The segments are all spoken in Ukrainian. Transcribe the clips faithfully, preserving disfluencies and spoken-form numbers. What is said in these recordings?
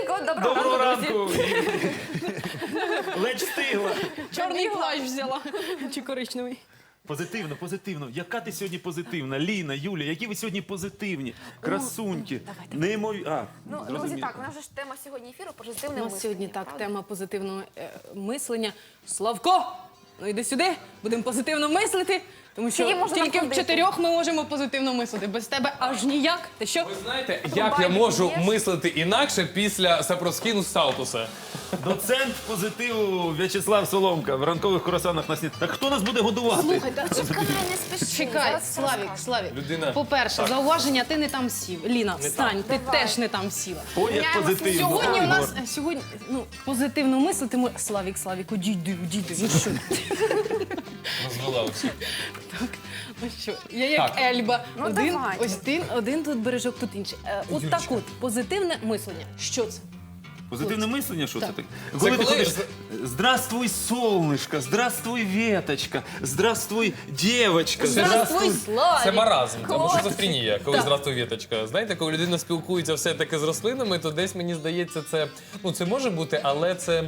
Раненько, доброго, Доброго ранку, ранку! друзі. Ледь встигла. Чорний плащ взяла. Чи коричневий. Позитивно, позитивно. Яка ти сьогодні позитивна? Ліна, Юля, які ви сьогодні позитивні? Красуньки. Неймовірні. А, Ну, друзі, зрозуміло. так, у нас же ж тема сьогодні ефіру позитивне У мислення. нас сьогодні так, правда? тема позитивного е, мислення. Славко, ну йди сюди, будемо позитивно мислити, тому що Скільки можна тільки в находити? чотирьох ми можемо позитивно мислити. Без тебе аж ніяк. Ти що? Ви знаєте, як Рубайки я можу п'єш? мислити інакше після Сапроскіну Салтуса? Доцент позитиву В'ячеслав Соломка в ранкових курасанах на сніг. Так хто нас буде годувати? Слухай, та Чекай, не спіши. чекай, зараз все Славік, розкажу. Славік. Людина- По-перше, зауваження, ти не там сів. Ліна, встань, ти Давай. теж не там сіла. Ой, як Міняємося. позитивно. Сьогодні у Ой, нас Гор. сьогодні ну позитивно мислити. Ми... Славік, Славік, одійди, одійди. Ну що? Розвела усіх. Так, ну що, я як Так. Ельба. Ну, один, давай. ось один, один тут бережок, тут інший. Е, от Юлічка. так от, позитивне мислення. Що це? Позитивне мислення, що це Так. таке? Коли ти коли ходиш, ж- здравствуй, солнышко, здравствуй, веточка, здравствуй, девочка. Здравствуй, Славік! Це маразм, або Хлопці. шизофренія, коли Так. здравствуй, віточка. Знаєте, коли людина спілкується все-таки з рослинами, то десь, мені здається, це, ну, це може бути, але це...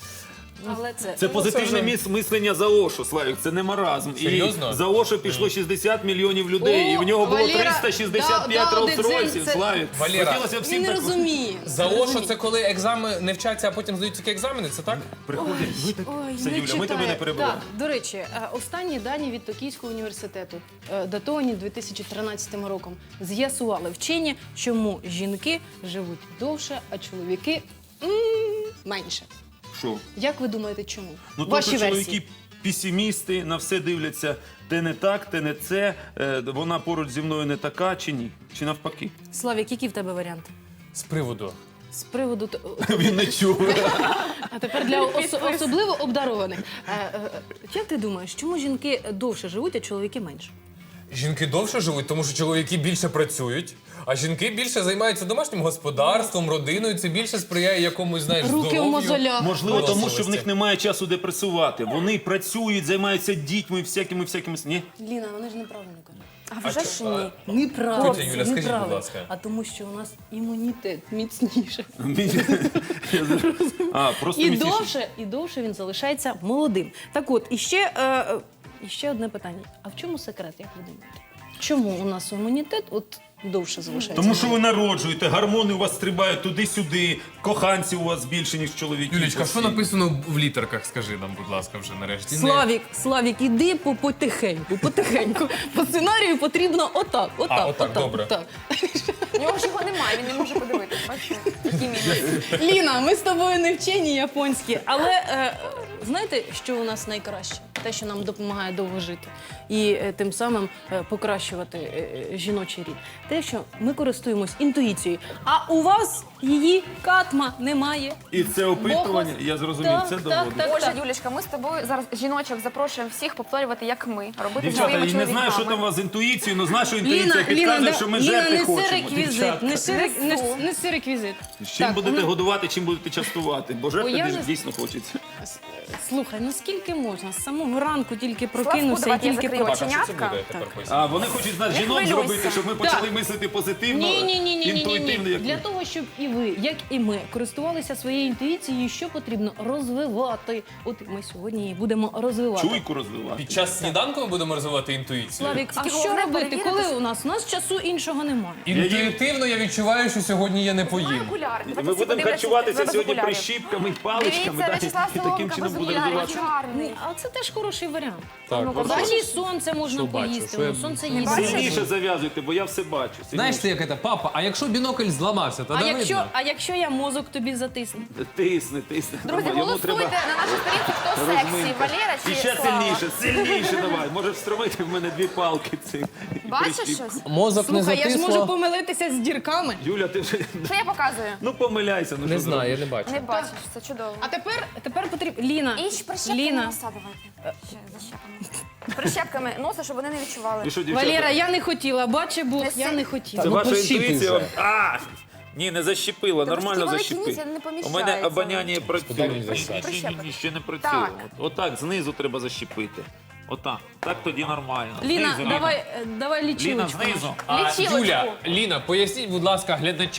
Але це, Це позитивне вже- міс- мислення за Ошу, Славік, це не маразм. Серйозно? І за Ошу пішло шістдесят мільйонів людей, і в нього було Валера, триста шістдесят п'ять да, да, один Rolls-Royceів, дзен, це- Славік. Валера, Хотілося він всім не так... розуміє. За Не Ошо розуміє. це коли екзамени не вчаться, а потім здають тільки екзамени, це так? Приходять, ви так... Ой, Все, не Юля, ми тебе читає. не перебуваємо. Так, до речі, е, останні дані від Токійського університету, е, датовані дві тисячі тринадцятим роком, з'ясували вчені, чому жінки живуть довше, а чоловіки м, менше. Що? Як ви думаєте, чому? Ну, Ваші то, що версії. чоловіки песимісти, на все дивляться, те не так, те не це, е, вона поруч зі мною не така, чи ні? Чи навпаки? Славік, які в тебе варіанти? З приводу. З приводу... т- Він не чує. А тепер для ос- особливо обдарованих. Е, е, Як ти думаєш, чому жінки довше живуть, а чоловіки менше? Жінки довше живуть, тому що чоловіки більше працюють, а жінки більше займаються домашнім господарством, родиною. Це більше сприяє якомусь, знаєш, Руки в здоров'ю. мозолях. Можливо, тому що в Виносливості. них немає часу депресувати. Вони працюють, займаються дітьми, всякими, всякими... Ні? Ліна, вони ж неправильно кажуть. А вже ж ні. Неправильно. Тетя Юля, скажіть, будь ласка. А тому, що у нас імунітет міцніше. А, просто І міцніше. довше, і довше він залишається молодим. Так от, і ще, е, е, і ще одне питання. А в чому секрет, як ви думаєте? Чому у нас імунітет от довше залишається? Тому що ви народжуєте, гормони у вас стрибають туди-сюди, коханці у вас більше, ніж чоловіків. Юлічка, що написано в літерках, скажи нам, будь ласка, вже нарешті. Не- Славік, Славік, іди по потихеньку, потихеньку. По сценарію потрібно отак, отак, А, отак, добре. отак. У нього ж його немає, він не може подивитися. Бачите, які мінуси. Ліна, ми з тобою не вчені японські, але е, знаєте, що у нас найкраще? Те, що нам допомагає довго жити і е, тим самим е, покращувати е, е, жіночий рід. Те, що ми користуємось інтуїцією, а у вас її катма немає. І це опитування, Бог вас- я зрозумів, Так, це так, доводить. так. Боже, Юлічка, ми з тобою зараз жіночок запрошуємо всіх повторювати, як ми, робити Дівчата, своїми я не знаю, що там у чоловіками. вас з інтуїцією, але знаю, що інтуїція Ліна, підказує, Ліна, що ми Ліна, жерти неси хочемо. реквізит, Дівчата. неси, рек- Несу. нес- неси реквізит. З чим Так, будете ну, годувати, чим будете частувати? Бо Бо я жерти не- дійсно хочеться. с- Слухай, ну скільки можна? З самого ранку тільки Славку, прокинувся і давайте я тільки закрию про... Так, а що це оченятка. буде тепер поясніть? А вони хочуть з нас Не жінок хвилюйся. зробити, щоб ми почали Так. мислити позитивно, Ні, ні, ні, ні, ні, інтуїтивно, ні. як Для ви. того, щоб і ви, як і ми, користувалися своєю інтуїцією, що потрібно розвивати. От ми сьогодні її будемо розвивати. Чуйку розвивати. Під час сніданку ми будемо розвивати інтуїцію? Славік, а Тільки що головне робити, перевірити, коли що- у нас? У нас часу іншого немає. Інтуїтивно я відчуваю, що сьогодні я не поїм. Окуляри. Давайте Ми всі будемо подивляться харчуватися без сьогодні окулярів. прищіпками, паличками, Дивіться, да, В'ячеслав і таким Соломка чином без буде окулярів, розвиватися. гарний. А це теж хороший варіант. Так, Ну, Взагалі сонце можна Що бачу, поїсти, що я- ну, сонце Не їсти. бачиш? Сильніше зав'язуйте, бо я все бачу. Знаєш Сильніше. ти, як це, папа, а якщо бінокль зламався, то А не якщо, видно. а якщо я мозок тобі затисну? Тисни, тисни. Друзі, Йому голосуйте треба на нашій сторінці, хто сексі, розминка. Валера чи І ще Слава. сильніше, сильніше давай. Може встромити в мене дві палки цих. Бачиш прищіпку. щось? Мозок не Слухай, я ж можу затисло. помилитися з дірками. Юля, ти вже... Що я показую? Ну помиляйся. Ну, Не що знаю, я зробиш? не бачу. Не бачиш, це чудово. А тепер, тепер потрібно... Ліна, І ще прищепками Ліна, носа давайте. Ще защепами. Прищепками носа, щоб вони не відчували. І що, дівчата? Валера, я не хотіла, бачи Бог, Неси. я не хотіла. Це ну, ваша пощіпуй інтуїція. вже. вам- А! Ні, не защепила, Та нормально такі защепи. великі ніці, не У мене поміщаються. обоняння працює. Куди він Ні, засяде? ні, ні, Прищепи. ні, ще не працює. Так. От- Отак, знизу треба защепити. Отак. Так тоді нормально. Ліна, Знизу, давай, е, давай Ліна, лічилочку. знизу. А, Лічилочку. Юля, Ліна, поясніть, будь ласка, глядачам,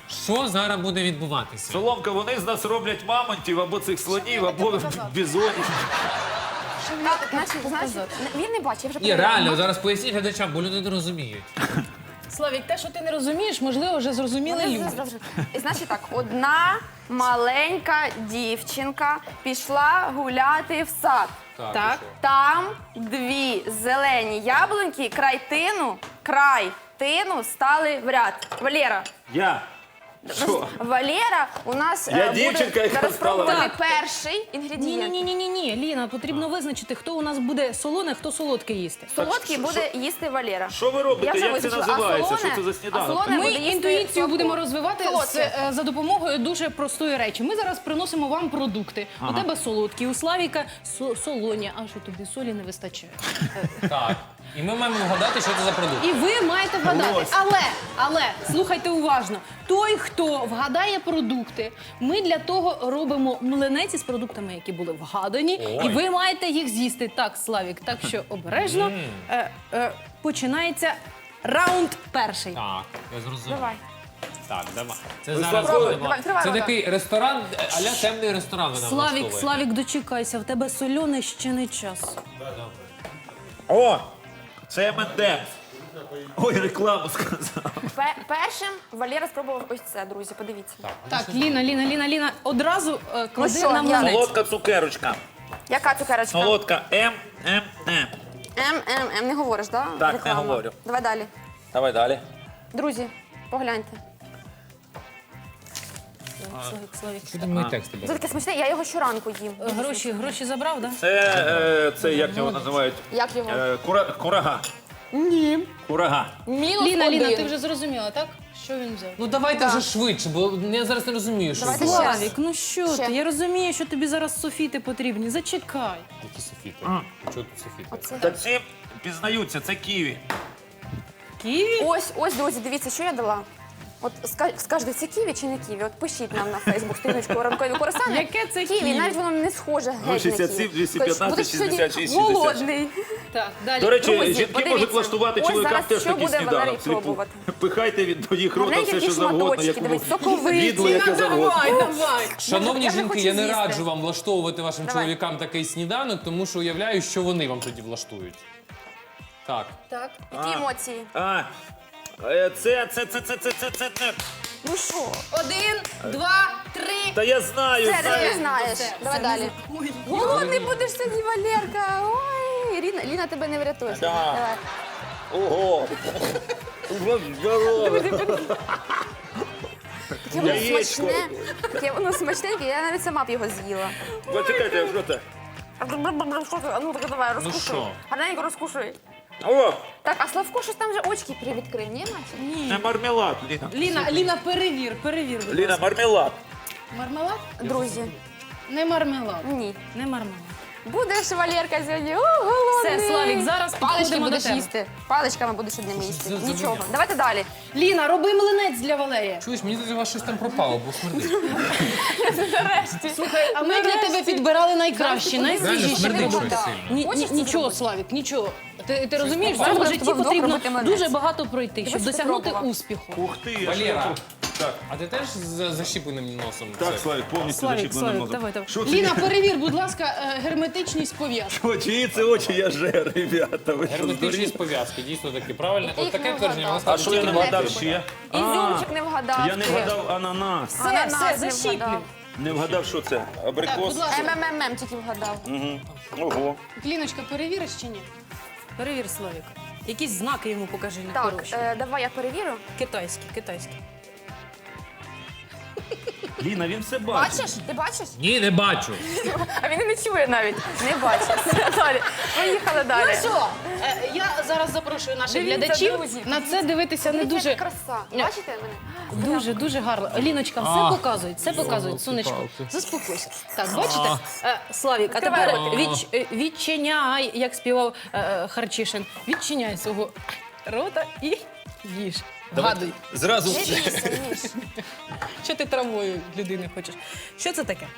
Що зараз буде відбуватися? Соломка, вони з нас роблять мамонтів або цих слонів, або бізонів. Так, значить, значить, він не бачить, я вже Ні, перевірила. реально, зараз поясніть глядачам, бо люди не розуміють. Славік, те, що ти не розумієш, можливо, вже зрозуміли Вони люди. завжди- І, Значить так, одна маленька дівчинка пішла гуляти в сад. Так. Там дві зелені яблуньки край тину, край тину стали в ряд. Валера, Я. Що? Валера у нас Я е, дівчинка, буде яка зараз стала в пробувати ряд. перший Ні, ні, інгредієнт. ні, ні, ні, ні. Ліна, потрібно визначити, хто у нас буде солоне, хто солодке їсти. Солодкий Так, буде їсти Валера. Що ви робите? Я вже Як це визначила. називається? А Що це за солоне- сніданок? а солоне Ми буде їсти інтуїцію солодку. будемо розвивати з, Солодке. е, за допомогою дуже простої речі. Ми зараз приносимо вам продукти. У тебе солодкі, у Славіка со- солоні. А що тобі солі не вистачає? Так. І ми маємо вгадати, що це за продукт. І ви маєте вгадати. Ось. Але, але, слухайте уважно. Той, хто вгадає продукти, ми для того робимо млинець із продуктами, які були вгадані. Ой. І ви маєте їх з'їсти. Так, Славік, так що обережно. Е, е, починається раунд перший. Так, я зрозумів. Давай. Так, давай. Це Ви зараз спробуй, будемо. давай, відкривай Це рота. такий ресторан, е, а-ля темний ресторан ви нам Славік, влаштовуєте. Славік, дочекайся, в тебе соляне ще не час. О! Це ем енд емс. Ой, рекламу сказав. Пе- Першим Валера спробував ось це, друзі, подивіться. Так, Ліна, Ліна, Ліна, Ліна, одразу е, клади що, на я- млинець. Солодка цукерочка. Яка цукерочка? Солодка ем ем ем. М, М, М, не говориш, да? Так, не Реклама. говорю. Давай далі. Давай далі. Друзі, погляньте. Славік, Славік. Що ти мої тексти Це береш? таке смачне, я його щоранку їм. Е, Гроші, гроші забрав, так? Да? Це, е, це як його називають? Як його? Е, кура, курага. Ні. Курага. Мінус Ліна, один. Ліна, ти вже зрозуміла, так? Що він взяв? Ну давайте вже швидше, бо я зараз не розумію, що Давайте це. ще. Славік, ну що Ще. ти? Я розумію, що тобі зараз софіти потрібні. Зачекай. Які софіти? Чого тут софіти? Оце. Та ці пізнаються, це ківі. Ківі? Ось, ось, друзі, дивіться, що я дала. От ска- скажете, це ківі чи не ківі? От пишіть нам на Фейсбук сторіночку ранкові користання. Яке це ківі? ківі? Навіть воно не схоже геть на шістдесят ківі. сім, двісті п'ятнадцять, Будеш сьогодні шістдесят шість, шістдесят. голодний. Так, далі. До речі, Друзі, жінки подивіться. можуть влаштувати Ось чоловікам зараз теж що такий буде Валерій сніданок. пробувати? Пихайте від до їх рота Гарненькі все, що які завгодно, шматочки, як дивись, соковиті. відло, яке завгодно. Давай, давай. Шановні Я вже жінки, хочу я не з'їсти. раджу вам влаштовувати вашим Давай. чоловікам такий сніданок, тому що уявляю, що вони вам тоді влаштують. Так. Так. Які емоції? А, е, це, це, це, це, це, це, це, це. Ну що? Один, два, три. Та я знаю. Це ти знаю. не знаєш. Це- Давай це далі. не- Ой, Голодний будеш сьогодні, Валерка. Ой, Ліна, Ліна тебе не врятує. Да. Давай. Ого. Здорово. Таке воно Яєчко. смачне. Таке воно смачненьке, я навіть сама б його з'їла. Почекайте, що це? А ну так давай, розкушуй. що? Гарненько розкушуй. О, Так, а Славко щось там вже очки привідкрив, ні, Маті? це мармелад, Ліна. Ліна, Ліна, перевір, перевір. будь Ліна, ласка. мармелад. Мармелад? Друзі, Не мармелад. ні. Не мармелад. Будеш, Валерка, сьогодні, о, голодний. Все, Славік, зараз Палички підходимо до будеш тебе. їсти. Паличками будеш одними їсти. Це- це Нічого. мені. Давайте далі. Ліна, роби млинець для Валерія. Чуєш, мені тоді у вас щось там пропало, бо смердить. Слухай, а ми для тебе підбирали найкращі, Реально найсвіжіші смердить щось продукти. сильно. Ні, Хочеш ні, це нічого, зробити? Славік, нічого. Ти, ти розумієш, в Зараз цьому будемо житті з тобою потрібно робити млинець. дуже багато пройти, щоб Ти бачиш, досягнути пробував. успіху. Ух ти, а Валера. що це? Так, А ти теж з защіпленим носом? так, це? Славік, повністю Славік, зачіплений Славік, мозок. давай, давай. Що це? Ліна, перевір, будь ласка, е, герметичність пов'язки. О, чиї це очі я жер, ребята. Ви що, Герметичні здуріли? пов'язки, дійсно таки правильно. Ти От їх таке не твердження вгадав. вона А що я не вгадав ще? Ізюмчик не вгадав. Я не ти. вгадав ананас. Все, Ананас все, не защіплюй. вгадав. Не вгадав, що це? Так, Абрикос? будь ласка. МММ тільки вгадав. Ого. Ліночка, перевіриш чи ні? Перевір, Славік. Якісь знаки йому покажи на Так, хороші. е, давай я перевірю. Китайські, китайські. Ліна, він все бачить. Бачиш? Ти бачиш? Ні, не бачу. А він і не чує навіть. Не бачить. Все, далі. Поїхали далі. Ну що, е, я зараз запрошую наших Дивіться, глядачів друзі, на це дивитися не Дивіться, дуже. яка краса. Бачите мене? Дуже, дуже гарно. Ліночка, все показують, все показують. Сонечко, заспокойся. Так, бачите? Е, Славік, а Відкривай тепер ротик. відч, е, відчиняй, як співав е, е, Харчишин. Відчиняй свого рота і їж. Вгадуй, Зразу Не все. бійся, ніж. що ти травмою людини хочеш. Що це таке?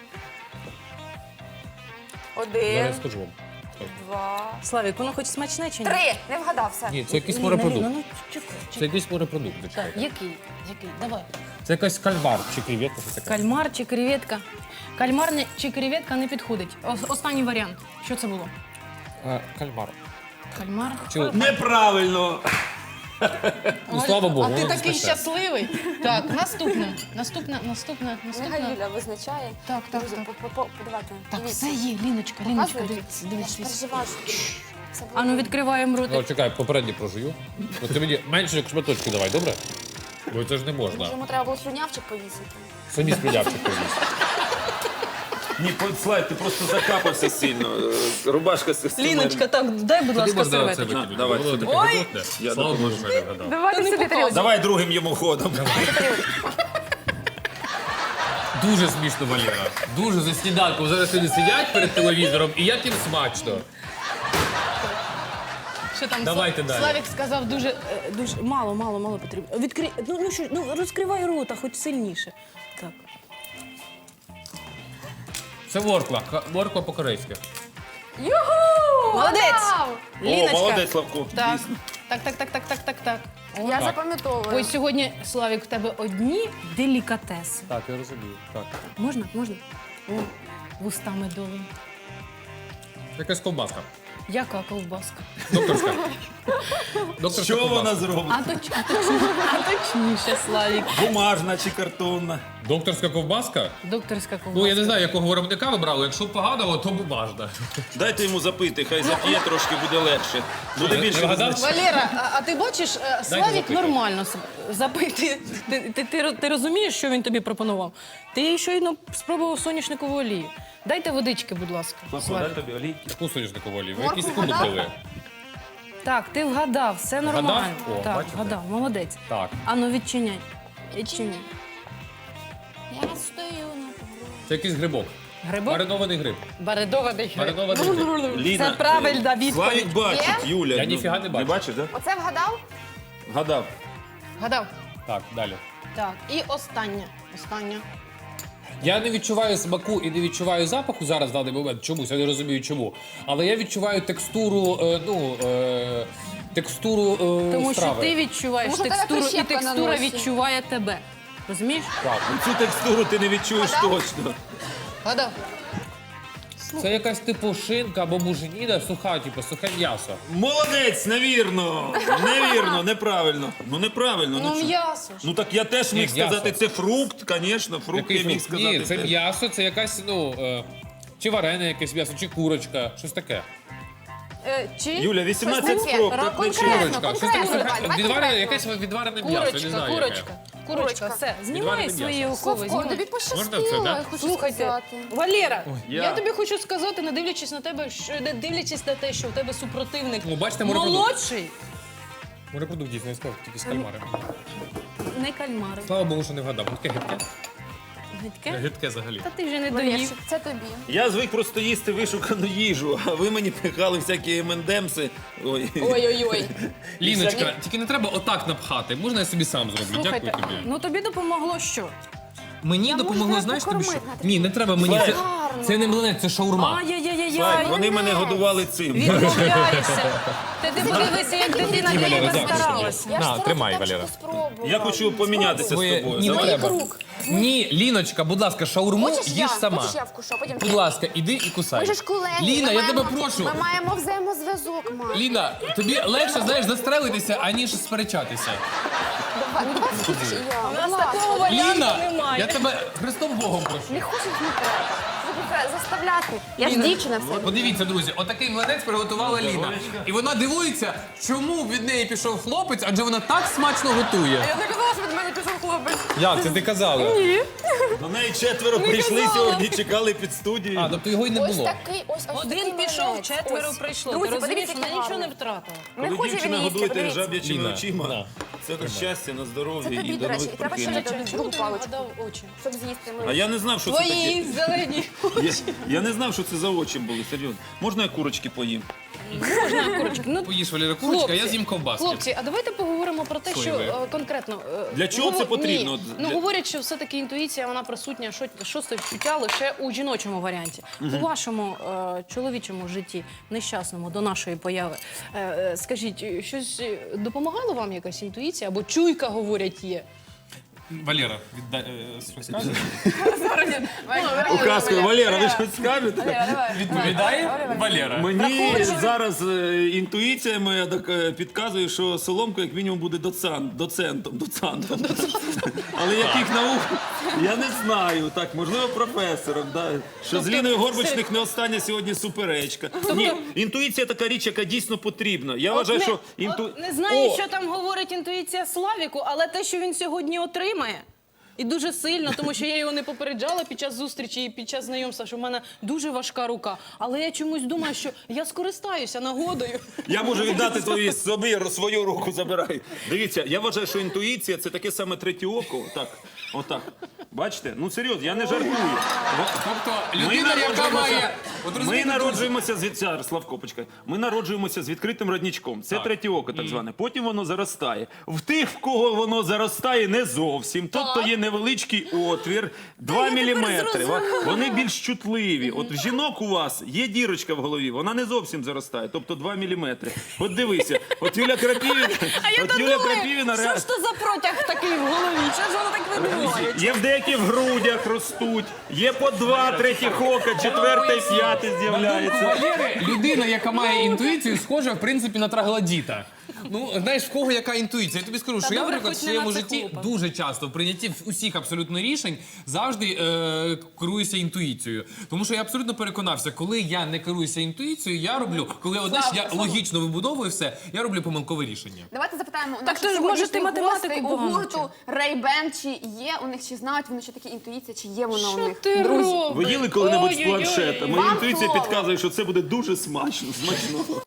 Зараз Один, скажу вам. два, Славік, воно хоч смачне чи ні? три. Не вгадав все. Ні, це якийсь Ліна, Ліна, морепродукт. ну чекай, Це чекай. якийсь морепродукт. Так, чекайте. який? Який? Давай. Це якась кальмар чи креветка, що таке? Кальмар чи креветка? Кальмар не- чи креветка не підходить. Ос- Останній варіант. Що це було? Е, Кальмар. Кальмар? Чи... Неправильно! Ну, слава Богу, А ти воно такий спасе. щасливий. Так, наступне. Наступне, наступне, Нехай наступне. Юля визначає. Так, так, Друзі, так. по- по- по- подавайте. Так, Дивіться. все є, Ліночка, Ліночка, Показуєте? дивіться, Я дивіться. ж переживаю, що це буде. А ну відкриваємо О, ротик. чекай, попередній прожую. От ти мені менше як шматочки давай, добре? Бо це ж не можна. Може, йому треба було слюнявчик повісити. Самі сприлявчик повіз. Ні, слайд, ти просто закапався сильно. Е, Рубашка з Ліночка, так, дай, будь Тоді ласка, можна серветку. це викинути. давай Було сюди. таке Ой! гидотне. Я Слава Богу, допоможу. що я не вгадав. Давайте не сюди тарілку. Давай другим йому ходом. Дуже смішно, Валера. Дуже за сніданком. Зараз вони сидять перед телевізором, і як їм смачно. Що там? Давайте Сла- далі. Славік сказав дуже, е, дуже мало, мало, мало потрібно. Відкрий, ну, ну що, ну розкривай рота, хоч сильніше. Так. Це морква. Ка- Морква по-корейськи. Юху! Молодець! Вгадав! О, Ліночка. молодець, Славко. Так, Дійсно. так, так, так, так, так, так, так. О, Я Так. запам'ятовую. Ось сьогодні, Славік, в тебе одні делікатеси. Так, я розумію. Так. Можна? Можна? О, вуста медові. Якась ковбаска. Яка ковбаска? Докторська. Докторська Що ковбаска. вона зробить? А, точ, а, точ, а точніше, Славік. Бумажна чи картонна? Докторська ковбаска? Докторська ковбаска. Ну, я не знаю, якого виробника ви брали. Якщо поганого, то бумажна. Дайте йому запити, хай зап'є трошки, буде легше. Буде Не більше вгадав? визначення. Валера, а, а ти бачиш, е, Славік запити. нормально с- запити. Ти, ти, ти, ти розумієш, що він тобі пропонував? Ти щойно спробував соняшникову олію. Дайте водички, будь ласка. Славко, Славік. дай тобі олій. Яку соняшникову олію? Ви Моркву якісь куби вгадав? пили? Так, ти вгадав, все нормально. О, так, бачите? вгадав, молодець. Так. Ану, відчиняй. Відчиняй. Я стою на порозі. Це якийсь грибок. Грибок? Маринований гриб. Баредований гриб. Маринований гриб. Ліна, Це правильна відповідь. Славік бачить, Є? Юля. Я ну, ніфіга не бачу. Не бачиш, так? Оце вгадав? Гадав. Вгадав. Так, далі. Так, і останнє. Останнє. Я не відчуваю смаку і не відчуваю запаху зараз в даний момент. Чомусь, я не розумію чому. Але я відчуваю текстуру, е, ну, е, текстуру е, Тому що страви. ти відчуваєш Тому що в тебе текстуру, і прищепка на текстура носі. відчуває тебе. Розумієш? Так. Цю текстуру ти не відчуєш Гадав? точно. Вгадав. Це якась типу шинка або муженіна, суха, типу, сухе м'ясо. Молодець, невірно. Невірно, неправильно. Ну неправильно. Ну, чого? м'ясо ж. Ну так я теж міг Ні, м'ясо. сказати, це фрукт, звісно, фрукт Який я міг фрукт? сказати. Ні, це теж. м'ясо, це якась, ну, е, чи варене якесь м'ясо, чи курочка, щось таке. Е, чи? Юля, вісімнадцять Щось таке. спроб. Ра- так не конкретно. чуєш. Курочка, щось таке конкретно, сухе, давай, давай відварене, конкретно. якесь відварене м'ясо, я не Курочка, знаю яке. курочка. Курочка, все, знімай Відварене свої м'ясо. окови. Славко, знімай. тобі Можна пощастило, це, да? я хочу Слухайте, сказати. Валера, Я- я тобі хочу сказати, не дивлячись на тебе, що не дивлячись на те, що в тебе супротивник Ну, бачите, морепродукт. молодший, Морепродукт дійсно, я сказав, тільки з кальмари. не кальмари. Слава Богу, що не вгадав. Таке гидке. Гидке? Гидке взагалі. Та ти вже не доїв. Валерчик, це тобі. Я звик просто їсти вишукану їжу, а ви мені пихали всякі ем енд емси. Ой. Ой-ой-ой. Ліночка, тільки не треба отак напхати. Можна я собі сам зроблю? Слухайте, Дякую тобі. ну тобі допомогло що? Мені Я допомогло, можу знаєш тобі що? покормити, Наталя. Ні, не треба мені. Це, Гарно. це не млинець, це шаурма. Ай-яй-яй-яй. Слайк, вони мене годували цим. Відмовляєшся. Ти ти подивися, як дитина Ні, Валера, тебе дякую. старалася. Я ж На, це тримай, так, Валера. що спробувала. Я хочу помінятися з Ви- тобою. Ні, не Давай. треба. рук. Ні, Ліночка, будь ласка, шаурму Хочеш їж я? сама. Хочеш я вкушу, а потім Будь ти? ласка, іди і кусай. Ми ж колеги. Ліна, ми я тебе маємо- прошу. Ми маємо взаємозв'язок, мам. Ліна, тобі легше, знаєш, застрелитися, аніж сперечатися. Давай, ну давай хочеш і я. У Будь нас ласка. такого варіанту Ліна, немає. я тебе Христом Богом прошу. Не хочеш не треба. Тобі заставляти. Я ж дівчина все. Подивіться, друзі, отакий млинець приготувала Ліна. І вона дивується, чому від неї пішов хлопець, адже вона так смачно готує. Я не казала, що від мене пішов хлопець. Як це ти казала? До неї четверо прийшли казала. сьогодні, чекали під студією. А, тобто його й не Ось було. такий, ось ось такий Один пішов, млинець. четверо Ось. прийшло. Друзі, Ти розумієш, подивіться, вона який нічого не гарний. втратила. Не Коли хоче він дівчина їсти, годуєте подивіться. жаб'ячими Ліна, очима, на. це на щастя, на здоров'я Це тобі, і до до речі, нових і треба ще прокинень. дати другу паличку, Гадав очі. щоб з'їсти А млинець. я не знав, що це таке. Твої зелені. Я, я не знав, що це за очі були, серйозно. Можна я курочки поїм? Можна, курочки. Ну, Поїж, Валера, курочка, я з'їм ковбаски. Хлопці, а давайте поговоримо про те, що Соєві. е, конкретно. е, Для чого це говор- потрібно? Ні. Для- Ну говорять, що все-таки інтуїція вона присутня, що шосте відчуття лише у жіночому варіанті. У вашому е, чоловічому житті, нещасному до нашої появи. Е, е, скажіть, щось допомагало вам якась інтуїція або чуйка, говорять, є? Валера, віддай е, щось скажеш? Указкою, Валера, ви щось скажете? Відповідає Валера. Мені зараз е, інтуїція моя так, е, підказує, що Соломко як мінімум буде доцент, доцентом, доцентом. Але яких наук, я не знаю. Так, можливо, професором. Да. Що з Ліною Горбачних не остання сьогодні суперечка. Ні, інтуїція така річ, яка дійсно потрібна. Я вважаю, не, що інту... от не знаю, О! що там говорить інтуїція Славіку, але те, що він сьогодні отримає. І дуже сильно, тому що я його не попереджала під час зустрічі і під час знайомства, що в мене дуже важка рука. Але я чомусь думаю, що я скористаюся нагодою. Я можу віддати твої собі, свою руку забирай. Дивіться, я вважаю, що інтуїція це таке саме третє око. Отак, отак. Бачите? Ну серйозно, я не жартую. Тобто Ми людина, яка народжуємося, має... От ми розумієте, народжуємося з від... Зараз, Славко, почекай. Ми народжуємося з відкритим родничком. Це Так. третє око, так зване. Потім воно заростає. В тих, в кого воно заростає, не зовсім. Тобто є невеличкий отвір, два міліметри. Вони більш чутливі. От в жінок у вас є дірочка в голові, вона не зовсім заростає, тобто два міліметри. От дивися, от Юля Крапівіна, А я от то Юля думаю, Крапівіна що ж то за протяг такий в голові? Що ж воно так відбувається? є в деяких в грудях ростуть, є по два третіх ока, четверте, п'яте з'являється. Валери, людина, яка має інтуїцію, схожа, в принципі, на троглодіта. Ну, знаєш, в кого яка інтуїція? Я тобі скажу, що я, добре, наприклад, в хоч не своєму на житті циклопа. дуже часто в прийнятті усіх абсолютно рішень завжди е, керуюся інтуїцією. Тому що я абсолютно переконався, коли я не керуюся інтуїцією, я роблю, коли одне ж я логічно вибудовую все, я роблю помилкове рішення. Давайте запитаємо Так наших то ж, може, ти сьогоднішніх математику гостей у погано гурту Ray-Band, чи є у них, чи знають вони, що таке інтуїція, чи є вона у Що них? ти Друзі. робиш? Ви їли коли-небудь з Ой-ой-ой. планшета? Моя Вам інтуїція слово. підказує, що це буде дуже смачно. Смачно.